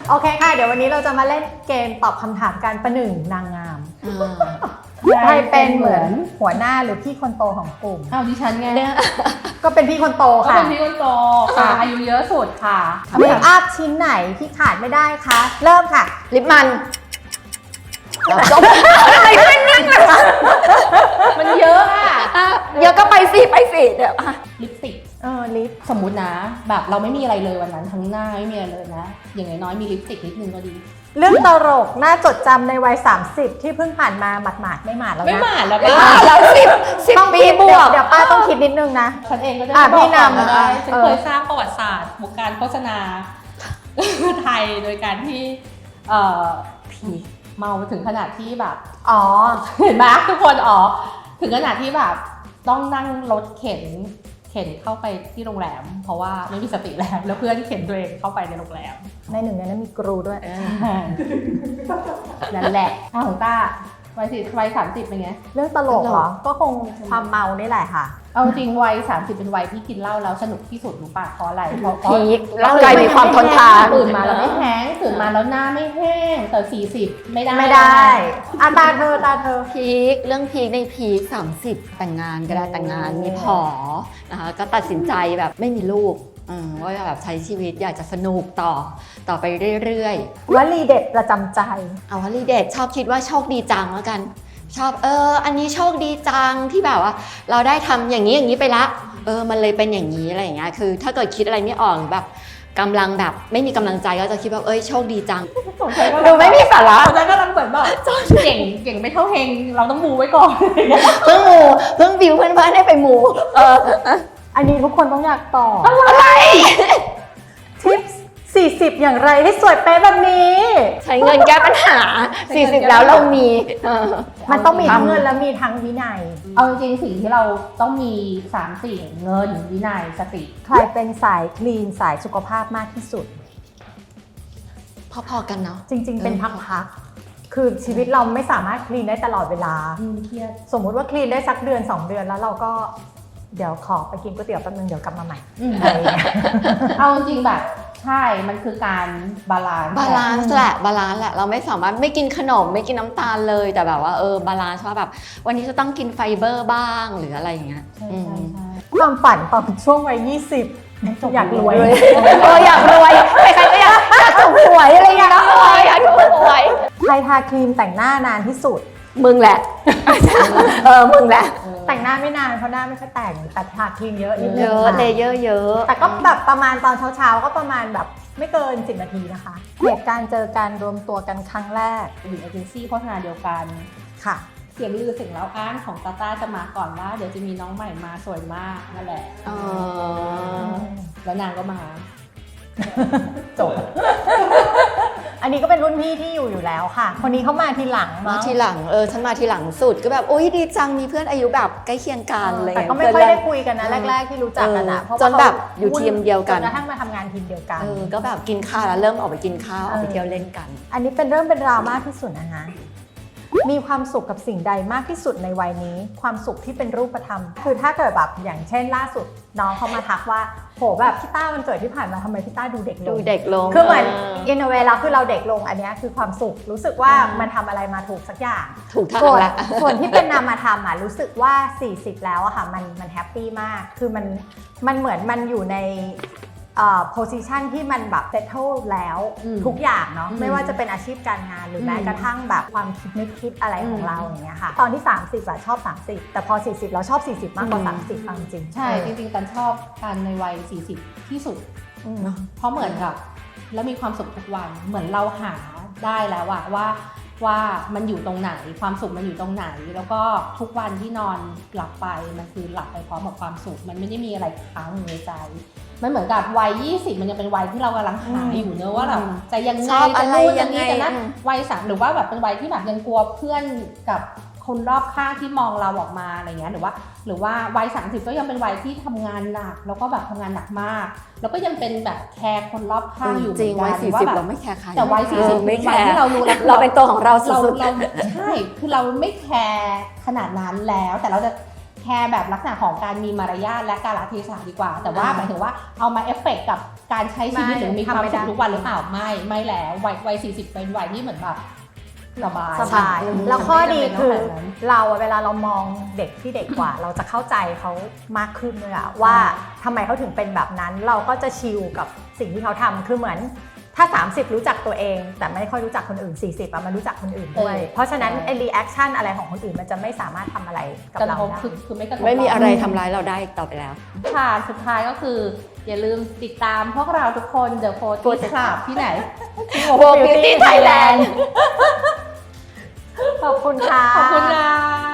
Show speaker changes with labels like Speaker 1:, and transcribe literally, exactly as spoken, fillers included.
Speaker 1: โอเคค่ะเดี๋ยววันนี้เราจะมาเล่นเกมตอบคำถามการประหนึ่งนางงามใครเป็นเหมือนหัวหน้าหรือพี่คนโตของกลุ่ม
Speaker 2: อ้าวดิฉันไง
Speaker 1: ก็เป็นพี่คนโต
Speaker 2: ก็
Speaker 1: ค่ะ
Speaker 2: เป็นพี่คนโตค่ะอายุเยอะสุดค่ะ
Speaker 1: เมคอัพชิ้นไหนที่ขาดไม่ได้คะเริ่มค่ะ
Speaker 3: ลิปมันจบอะไรไม่นิ่งเลย
Speaker 2: มันเยอะอ่ะ
Speaker 3: เยอะก็ไปสิไปสิเดี๋ยว
Speaker 2: ลิปสติก
Speaker 1: เออลิป
Speaker 2: สมมุตินะ แบบเราไม่มีอะไรเลยวันนั้นทั้งหน้าไม่มีอะไรเลยนะ อย่างน้อยๆมีลิปสติกนิดนึงก็ดี
Speaker 1: เรื่องตลกน่าจดจำในวัยสามสิบที่เพิ่งผ่านมาหมาดๆไม่หมาดแล้ว
Speaker 2: ไม่
Speaker 1: นะ
Speaker 2: หมาดแล้ว
Speaker 3: อ่า
Speaker 2: ป้า
Speaker 3: แล้วสิบสิบ
Speaker 1: ต้อง
Speaker 3: ปี
Speaker 1: คิด
Speaker 3: บวก
Speaker 1: เดี๋ยวป้าต้องคิดนิดนึงนะ
Speaker 2: ฉันเองก็จะ
Speaker 1: อ่ะ
Speaker 2: บอก
Speaker 1: พี่นำ
Speaker 2: ก่อได้ฉัน
Speaker 1: เออ
Speaker 2: เคยสร้างประวัติศาสตร์วงการโฆษณา ไทยโดยการที่เอ่อผีเมาถึงขนาดที่แบบ
Speaker 1: อ๋อ
Speaker 2: เห็นไหมทุกคนอ๋อถึงขนาดที่แบบต้องนั่งรถเข็นเข็นเข้าไปที่โรงแรม เพราะว่าไม่มีสติแล้วแล้วเพื่อนเข็นตัวเองเข้าไปในโรงแรม
Speaker 1: ในหนึ่งในนั้นมีกรูด้วย
Speaker 2: นั่นแหละอ้าวของต้าวัยสิวัยสามสิบเป็นไง
Speaker 1: เรื่องตลกเหรอ ก็คงความเมานี่แหละค่ะ
Speaker 2: เอาจริงวัยสามสิบเป็นวัยที่กินเหล้าแล้วสนุกที่สุดรู้ป่ะเพราะอะไรเพราะ
Speaker 3: พีคร่างกายมีความทนทาน
Speaker 2: ตื่นมาแล้วไม่แห้งตื่นมาแล้วหน้าไม่แห้งแต่สี่สิบไม่ได้
Speaker 1: ไม่ได้อาตาเธอตาเธอ
Speaker 3: พีคเรื่องพีคในพีคสามสิบแต่งงานก็ได้แต่งงานมีผอนะคะก็ตัดสินใจแบบไม่มีลูกอืมว่าแบบใช้ชีวิตอยากจะสนุกต่อต่อไปเรื่อยๆ
Speaker 1: วลีเด็ดประจำใจ
Speaker 3: เอาวลีเด็ดชอบคิดว่าโชคดีจังแล้วกัน ชอบเอออันนี้โชคดีจังที่แบบว่า เราได้ทำอย่างนี้อย่างนี้ไปละเออมันเลยเป็นอย่างนี้อะไรอย่างเงี้ยคือถ้าเกิดคิดอะไรไม่ออกแบบกำลังแบบไม่มีกำลังใจก็จะคิดว่าเอ้ยโชคดีจัง ดูไม่มีสาระ
Speaker 2: ตอนนั้นกำลังเหมือนแบบเก่งเก่งไม่เท่าเฮงเราต้องบูไว้ก่อน
Speaker 3: เพิ่งหมูเพิ่งบิวเพื่อนๆให้ไปหมูเออ
Speaker 1: อันนี้ทุกคนต้องอยากตอบ
Speaker 3: อะไร
Speaker 1: ทิปสี่สิบอย่างไรให้สวยเป๊ะแบบนี้
Speaker 3: ใช้เงินแก้ปัญหาสี่สิบแล้วเรามีเออ
Speaker 1: มันต้องมีทั้งเงินและมีทั้งวินัย
Speaker 2: เอาจริงๆสิ่งที่เราต้องมีสามสิ่งเงินวินัยสติ
Speaker 1: ใครเป็นสายคลีนสายสุขภาพมากที่สุด
Speaker 3: พอๆกันเนาะ
Speaker 1: จริงๆ เป็นพักๆ คือชีวิตเราไม่สามารถคลีนได้ตลอดเวลา
Speaker 2: เครียด
Speaker 1: สมมุติว่าคลีนได้สักเดือนสองเดือนแล้วเราก็เดี๋ยวขอไปกินก๋วยเตี๋ยวแป๊บนึงเดี๋ยวกลับมาใหม่อะไรอย่างเงี้ย
Speaker 2: เอาจริงๆแบบใช่มันคือการบาลานซ์
Speaker 3: บาลานซ์แหละบาลานซ์แหละเราไม่สามารถไม่กินขนมไม่กินน้ำตาลเลยแต่แบบว่าเออบาลานซ์ว่าแบบวันนี้จะต้องกินไฟเบอร์บ้างหรืออะไรอย่างเงี้ย
Speaker 2: ใช่
Speaker 3: อืม
Speaker 2: ใช่ใช่
Speaker 1: ความฝันตอนช่วงวัยยี่สิบอยากรวย
Speaker 3: เอออยากรวยใครๆก็อยากอยากถูกหวยอะไรอย่างเงี้ยนะเอออยากถูกหวย
Speaker 1: ใครทาครีมแต่งหน้านานที่สุด
Speaker 3: มึงแหละ เออมึงแหละ
Speaker 1: แต่งหน้าไม่นานเพราะหน้าไม่ค่อยแต่งแต่ทาครีมเยอะนิดนึ
Speaker 3: เย
Speaker 1: ง
Speaker 3: อะ
Speaker 1: ค่ะ
Speaker 3: เลเยอร์เยอะ
Speaker 1: แต่ก็แบบประมาณตอนเช้าๆก็ประมาณแบบไม่เกินสิบนาทีนะคะเหตุการณ์เจอการรวมตัวกันครั้งแรก
Speaker 2: อยู่เอเจนซี่โฆษณาเดียวกัน
Speaker 1: ค่ะ
Speaker 2: เสียงลือเสียงเล่าอ้างของตาต้าจะมาก่อนว่าเดี๋ยวจะมีน้องใหม่มาสวยมากนั่นแหละ
Speaker 3: อ๋อ
Speaker 2: แล้วนางก็มา
Speaker 1: จบ อันนี้ก็เป็นรุ่นพี่ที่อยู่อยู่แล้วค่ะ คนนี้เขามาทีหลัง
Speaker 3: มา
Speaker 1: มั้ง
Speaker 3: ทีหลังเออฉันมาทีหลังสุดก็แบบโอ๊ยดีจังมีเพื่อนอายุแบบใกล้เคียงกันอะไร
Speaker 1: แต่
Speaker 3: เงี้ย
Speaker 1: ก็ไม่ค่อยได้คุยกันนะแรกๆที่รู้จักกันอะเพราะว่า
Speaker 3: จนแบบอยู่ทีมเดียวกัน
Speaker 1: จนกระทั่งมาทำงานทีมเดียวกัน
Speaker 3: เออก็แบบกินข้าวแล้วเริ่มออกไปกินข้าวออกไปเที่ยวเล่นกัน
Speaker 1: อันนี้เป็นเรื่องเป็นราวมากที่สุดนะคะมีความสุขกับสิ่งใดมากที่สุดในวัยนี้ ความสุขที่เป็นรูปธรรม คือถ้าเกิดแบบอย่างเช่นล่าสุดน้องเขามาทักว่าโหแบบพี่ต้าวันเกิดที่ผ่านมาทำไมพี่ต้าดูเด็กล
Speaker 3: ดู
Speaker 1: ง
Speaker 3: เด็กลง
Speaker 1: คือเหมือนอินเวลาคือเราเด็กลงอันนี้คือความสุขรู้สึกว่ามันทำอะไรมาถูกสักอย่าง
Speaker 3: ถูกทาง
Speaker 1: ส่วน
Speaker 3: ละ
Speaker 1: ส่วนที่เป็นนามธรรมอ่ะรู้สึกว่าสี่สิบแล้วอะค่ะมันมันแฮปปี้มากคือมันมันเหมือนมันอยู่ในเอ่อ position ที่มันแบบ settle แล้ว
Speaker 2: อืม
Speaker 1: ทุกอย่างเนาะ
Speaker 2: อืม
Speaker 1: ไม่ว่าจะเป็นอาชีพการงานหรือแม้
Speaker 2: อืม
Speaker 1: กระทั่งแบบความคิดนึกคิดอะไรของ
Speaker 2: อืม
Speaker 1: เราอย่างเงี้ยค่ะตอนที่สามสิบอะชอบสามสิบแต่พอสี่สิบเราชอบสี่สิบมากกว่า
Speaker 3: อืม
Speaker 1: สามสิบฟังจริง
Speaker 2: ใช่จริงๆตันชอบการในวัยสี่สิบที่สุด
Speaker 1: อืม
Speaker 2: เพราะเหมือนกับแล้วมีความสุขทุกวันเหมือนเราหาได้แล้วอะว่าว่ามันอยู่ตรงไหนความสุขมันอยู่ตรงไหน แล้วก็ทุกวันที่นอนหลับไปมันคือหลับไปพร้อมกับความสุขมันไม่ได้มีอะไรค้างอยู่ในใจมันเหมือนกับวัยยี่สิบมันยังเป็นวัยที่เรากำลังหาอยู่เนอะว่าแบบจะยังไง
Speaker 3: ชอบอะไร
Speaker 2: จะนู่น
Speaker 3: ยั
Speaker 2: จะ
Speaker 3: งไง
Speaker 2: นี่จะนั่น
Speaker 3: อืม
Speaker 2: วัยสามหรือว่าแบบเป็นวัยที่แบบยังกลัวเพื่อนกับคนรอบข้างที่มองเราออกมาอะไรเงี้ยหรือว่าหรือว่าวัยสามสิบก็ยังเป็นวัยที่ทำงานหนักแล้วก็แบบทำงานหนักมาก แล้วก็ยังเป็นแบบแคร์คนรอบข้างอยู่เห
Speaker 3: จ
Speaker 2: มื
Speaker 3: ริ
Speaker 2: อง น
Speaker 3: วัย
Speaker 2: กัน
Speaker 3: สี่
Speaker 2: ว่า
Speaker 3: สิบ
Speaker 2: แบบ
Speaker 3: เราไม่แคร์ใคร
Speaker 2: แต่วัยสี่สิบ
Speaker 3: เออไม่
Speaker 2: เป็น
Speaker 3: แค
Speaker 2: วัย
Speaker 3: ร์
Speaker 2: ที่เรารู้แล้ว
Speaker 3: เราเป็นตัวของเรา
Speaker 2: เรา
Speaker 3: สุด
Speaker 2: เราใช่คือเราไม่แคร์ขนาดนั้นแล้วแต่เราจะแคร์แบบลักษณะของการมีมารยาทและกาลเทศะดีกว่า แต่ว่าหมายถึงว่าเอามาเอฟเฟกต์กับการใช้ชีวิต
Speaker 1: ไม่
Speaker 2: หรือมีความ
Speaker 1: ทำไม่
Speaker 2: สุ
Speaker 1: ได้
Speaker 2: ขทุกวันหรือเปล่าไม่ไม่แล้ววัยวัยสี่สิบเป็นวัยที่เหมือนแบบสบาย
Speaker 1: สบาย
Speaker 2: อืม
Speaker 1: แล้วข้อดี
Speaker 2: มันไม่จำเป็น
Speaker 1: คือ
Speaker 2: ต้องแบบนั้น
Speaker 1: เราอะเวลาเรามองเด็กที่เด็กกว่า เราจะเข้าใจเขามากขึ้นเลยอะว่าทำไมเขาถึงเป็นแบบนั้น เราก็จะชิลกับสิ่งที่เขาทำคือเหมือนถ้า สามสิบ รู้จักตัวเอง แต่ไม่ค่อยรู้จักคนอื่น สี่สิบอะมันรู้จักคนอื่นด้วย เพราะฉะนั้นไอ้รีแอคชั่นอะไรของคนอื่นมันจะไม่สามารถทำอะไรกับ
Speaker 2: กระ
Speaker 1: เรา
Speaker 2: ทบ
Speaker 1: ได้
Speaker 2: คือคือไม่กระทบ
Speaker 3: ไม่มี
Speaker 2: เา
Speaker 3: อะไรทำร้ายเราได้อีกต่อไปแล้ว
Speaker 2: ค่ะสุดท้ายก็คืออย่าลืมติดตามพวกเราทุกคน The Forty Club ที่ไหน
Speaker 3: Vogue Beauty Thailand
Speaker 1: ขอบคุณค่ะ
Speaker 2: ขอบคุณนะ